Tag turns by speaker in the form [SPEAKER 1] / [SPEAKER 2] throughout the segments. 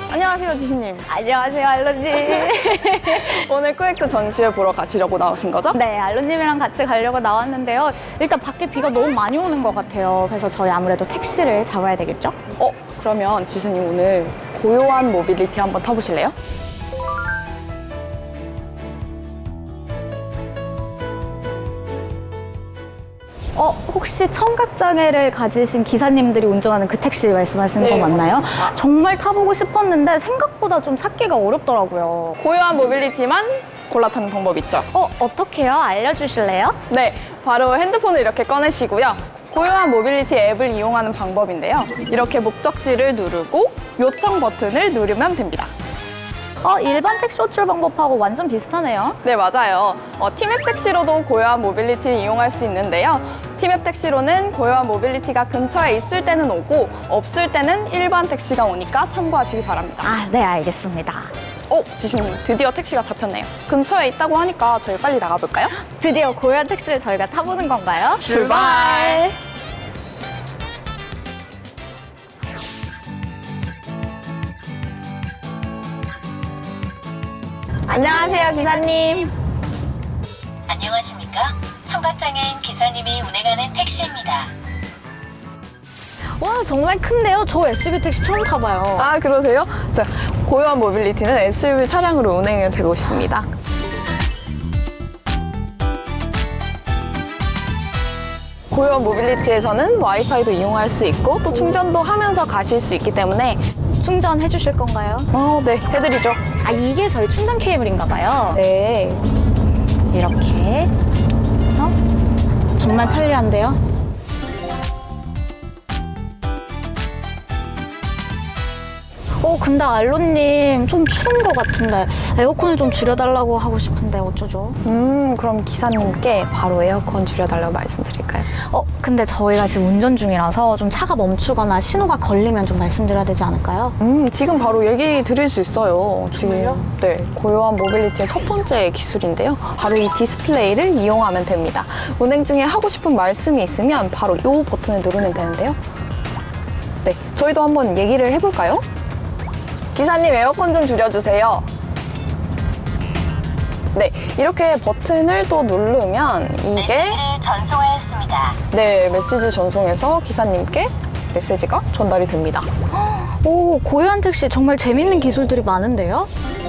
[SPEAKER 1] 안녕하세요, 지신님.
[SPEAKER 2] 안녕하세요, 알로님.
[SPEAKER 1] 오늘 코엑스 전시회 보러 가시려고 나오신 거죠?
[SPEAKER 2] 네, 알로님이랑 같이 가려고 나왔는데요. 일단 밖에 비가 너무 많이 오는 것 같아요. 그래서 저희 아무래도 택시를 잡아야 되겠죠?
[SPEAKER 1] 그러면 지신님 오늘 고요한 모빌리티 한번 타보실래요?
[SPEAKER 2] 혹시 청각장애를 가지신 기사님들이 운전하는 그 택시 말씀하시는
[SPEAKER 1] 네,
[SPEAKER 2] 거 맞나요?
[SPEAKER 1] 맞습니다.
[SPEAKER 2] 정말 타보고 싶었는데 생각보다 좀 찾기가 어렵더라고요.
[SPEAKER 1] 고요한 모빌리티만 골라 타는 방법 있죠?
[SPEAKER 2] 어떻게요? 알려주실래요?
[SPEAKER 1] 네, 바로 핸드폰을 이렇게 꺼내시고요. 고요한 모빌리티 앱을 이용하는 방법인데요. 이렇게 목적지를 누르고 요청 버튼을 누르면 됩니다.
[SPEAKER 2] 일반 택시 호출 방법하고 완전 비슷하네요.
[SPEAKER 1] 네, 맞아요. 티맵 택시로도 고요한 모빌리티를 이용할 수 있는데요. 티맵 택시로는 고요한 모빌리티가 근처에 있을 때는 오고 없을 때는 일반 택시가 오니까 참고하시기 바랍니다.
[SPEAKER 2] 네, 알겠습니다.
[SPEAKER 1] 지신님, 드디어 택시가 잡혔네요. 근처에 있다고 하니까 저희 빨리 나가볼까요?
[SPEAKER 2] 드디어 고요한 택시를 저희가 타보는 건가요?
[SPEAKER 1] 출발! 안녕하세요, 기사님.
[SPEAKER 3] 안녕하십니까? 청각장애인 기사님이 운행하는 택시입니다.
[SPEAKER 2] 와, 정말 큰데요? 저 SUV 택시 처음 타봐요.
[SPEAKER 1] 아, 그러세요? 자, 고요한 모빌리티는 SUV 차량으로 운행이 되고 있습니다. 고요한 모빌리티에서는 와이파이도 이용할 수 있고 또 충전도 하면서 가실 수 있기 때문에
[SPEAKER 2] 충전해 주실 건가요?
[SPEAKER 1] 네, 해드리죠.
[SPEAKER 2] 이게 저희 충전 케이블인가 봐요.
[SPEAKER 1] 네.
[SPEAKER 2] 이렇게 해서 정말 편리한데요? 근데 알로님 좀 추운 것 같은데 에어컨을 좀 줄여달라고 하고 싶은데 어쩌죠?
[SPEAKER 1] 그럼 기사님께 바로 에어컨 줄여달라고 말씀드릴까요?
[SPEAKER 2] 근데 저희가 지금 운전 중이라서 좀 차가 멈추거나 신호가 걸리면 좀 말씀드려야 되지 않을까요?
[SPEAKER 1] 지금 바로 얘기 드릴 수 있어요.
[SPEAKER 2] 정말요?
[SPEAKER 1] 네, 고요한 모빌리티의 첫 번째 기술인데요. 바로 이 디스플레이를 이용하면 됩니다. 운행 중에 하고 싶은 말씀이 있으면 바로 이 버튼을 누르면 되는데요. 네, 저희도 한번 얘기를 해볼까요? 기사님, 에어컨 좀 줄여주세요. 네, 이렇게 버튼을 또 누르면 이게
[SPEAKER 3] 메시지를 전송하였습니다.
[SPEAKER 1] 네, 메시지 전송해서 기사님께 메시지가 전달이 됩니다.
[SPEAKER 2] 고요한 택시 정말 재밌는 기술들이 많은데요?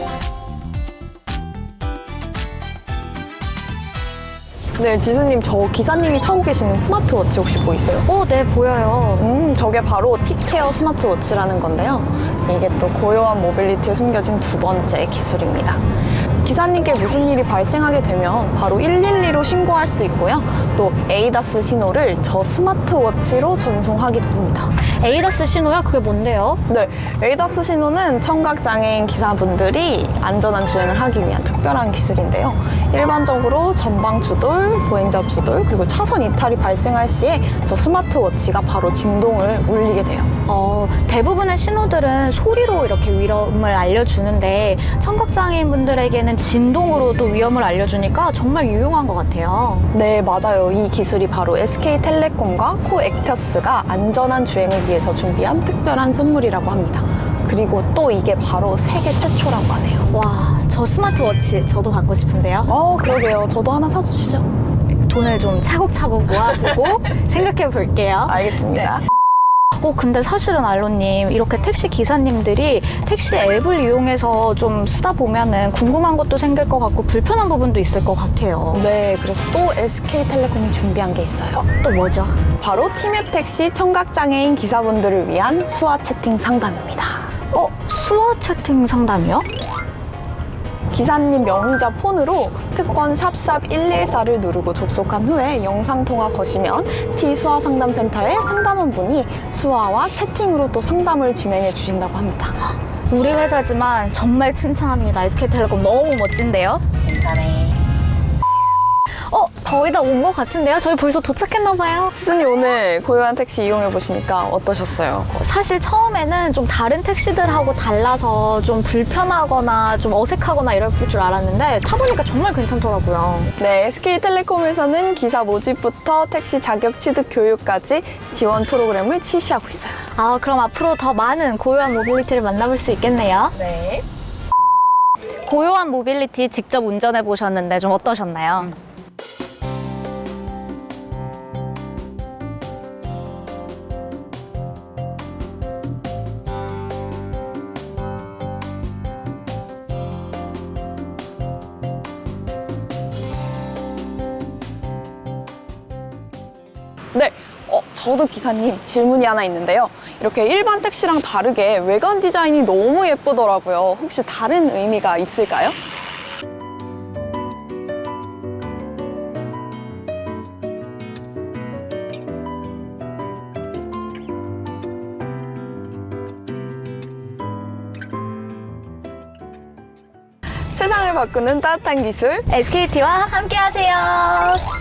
[SPEAKER 1] 네, 지수님, 저 기사님이 차고 계시는 스마트워치 혹시 보이세요?
[SPEAKER 2] 네, 보여요.
[SPEAKER 1] 저게 바로 티케어 스마트워치라는 건데요. 이게 또 고요한 모빌리티에 숨겨진 두 번째 기술입니다. 기사님께 무슨 일이 발생하게 되면 바로 112로 신고할 수 있고요. 또 에이다스 신호를 저 스마트워치로 전송하기도 합니다.
[SPEAKER 2] 에이다스 신호요? 그게 뭔데요?
[SPEAKER 1] 네, 에이다스 신호는 청각장애인 기사분들이 안전한 주행을 하기 위한 특별한 기술인데요. 일반적으로 전방 추돌, 보행자 추돌, 그리고 차선 이탈이 발생할 시에 저 스마트워치가 바로 진동을 울리게 돼요.
[SPEAKER 2] 대부분의 신호들은 소리로 이렇게 위험을 알려주는데 청각장애인 분들에게는 진동으로 또 위험을 알려주니까 정말 유용한 것 같아요.
[SPEAKER 1] 네, 맞아요. 이 기술이 바로 SK텔레콤과 코엑터스가 안전한 주행을 위해서 준비한 특별한 선물이라고 합니다. 그리고 또 이게 바로 세계 최초라고 하네요.
[SPEAKER 2] 와, 저 스마트워치 저도 갖고 싶은데요.
[SPEAKER 1] 그러게요. 저도 하나 사주시죠.
[SPEAKER 2] 돈을 좀 차곡차곡 모아보고 생각해 볼게요.
[SPEAKER 1] 알겠습니다.
[SPEAKER 2] 근데 사실은 알로님, 이렇게 택시 기사님들이 택시 앱을 이용해서 좀 쓰다 보면은 궁금한 것도 생길 것 같고 불편한 부분도 있을 것 같아요.
[SPEAKER 1] 네, 그래서 또 SK텔레콤이 준비한 게 있어요.
[SPEAKER 2] 또 뭐죠?
[SPEAKER 1] 바로 티맵 택시 청각장애인 기사분들을 위한 수화 채팅 상담입니다.
[SPEAKER 2] 수화 채팅 상담이요?
[SPEAKER 1] 기사님 명의자 폰으로 특권 샵샵 114를 누르고 접속한 후에 영상통화 거시면 T수화상담센터의 상담원분이 수화와 채팅으로 또 상담을 진행해 주신다고 합니다.
[SPEAKER 2] 우리 회사지만 정말 칭찬합니다. SK텔레콤 너무 멋진데요?
[SPEAKER 3] 칭찬해.
[SPEAKER 2] 거의 다 온 것 같은데요? 저희 벌써 도착했나봐요.
[SPEAKER 1] 기사님 오늘 고요한 택시 이용해 보시니까 어떠셨어요?
[SPEAKER 2] 사실 처음에는 좀 다른 택시들하고 달라서 좀 불편하거나 좀 어색하거나 이럴 줄 알았는데 타보니까 정말 괜찮더라고요.
[SPEAKER 1] 네, SK텔레콤에서는 기사 모집부터 택시 자격 취득 교육까지 지원 프로그램을 실시하고 있어요.
[SPEAKER 2] 그럼 앞으로 더 많은 고요한 모빌리티를 만나볼 수 있겠네요.
[SPEAKER 1] 네.
[SPEAKER 2] 고요한 모빌리티 직접 운전해 보셨는데 좀 어떠셨나요?
[SPEAKER 1] 네, 저도 기사님 질문이 하나 있는데요. 이렇게 일반 택시랑 다르게 외관 디자인이 너무 예쁘더라고요. 혹시 다른 의미가 있을까요? 세상을 바꾸는 따뜻한 기술
[SPEAKER 2] SKT와 함께 하세요.